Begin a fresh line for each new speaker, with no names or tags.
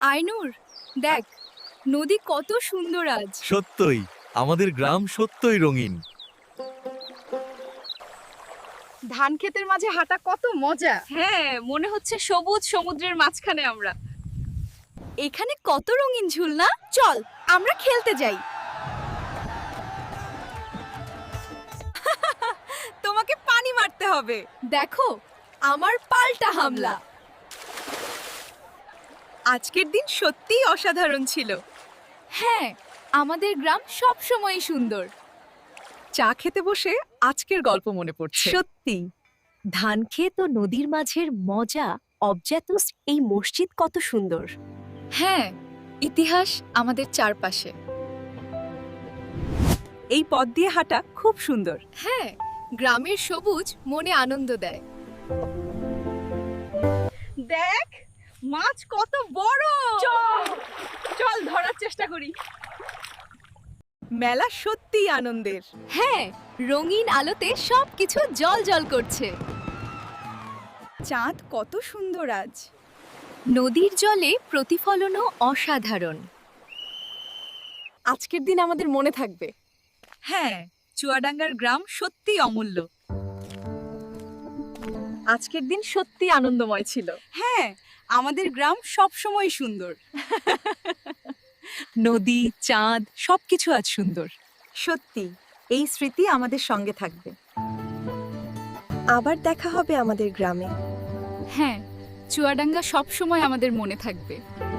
আইনুর, দেখ নদী কত সুন্দর আজ।
সত্যই আমাদের গ্রাম সত্যই রঙিন।
ধান ক্ষেতের মাঝে হাঁটা কত মজা।
হ্যাঁ, মনে হচ্ছে সবুজ সমুদ্রের মাঝখানে আমরা। এখানে কত রঙিন ঝুলনা, চল আমরা খেলতে যাই। তোমাকে পানি মারতে হবে। দেখো আমার পাল্টা হামলা। আজকের দিন সত্যিই অসাধারণ ছিল। হ্যাঁ, আমাদের গ্রাম সব সময় সুন্দর।
চা খেতে বসে আজকের গল্প মনে পড়ছে।
সত্যি ধান ক্ষেত ও নদীর মাঝের মজা অবজাতুস এই মসজিদ কত সুন্দর।
হ্যাঁ, ইতিহাস আমাদের চারপাশে।
এই পথ দিয়ে হাঁটা খুব সুন্দর।
হ্যাঁ, গ্রামের সবুজ মনে আনন্দ দেয়।
দেখ মাছ কত বড়। চল ধরার চেষ্টা করি। মেলা সত্যিই আনন্দের।
হ্যাঁ, রঙিন আলোতে সবকিছু জল করছে।
চাঁদ কত সুন্দর আজ।
নদীর জলে প্রতিফলনও অসাধারণ।
আজকের দিন আমাদের মনে থাকবে। হ্যাঁ, চুয়াডাঙ্গার গ্রাম সত্যিই অমূল্য। আজকের দিন সত্যি আনন্দময় ছিল। হ্যাঁ, আমাদের গ্রাম সব সময় সুন্দর। নদী, চাঁদ সবকিছু আজ সুন্দর।
সত্যি এই স্মৃতি আমাদের সঙ্গে থাকবে। আবার দেখা হবে আমাদের গ্রামে।
হ্যাঁ, চুয়াডাঙ্গা সবসময় আমাদের মনে থাকবে।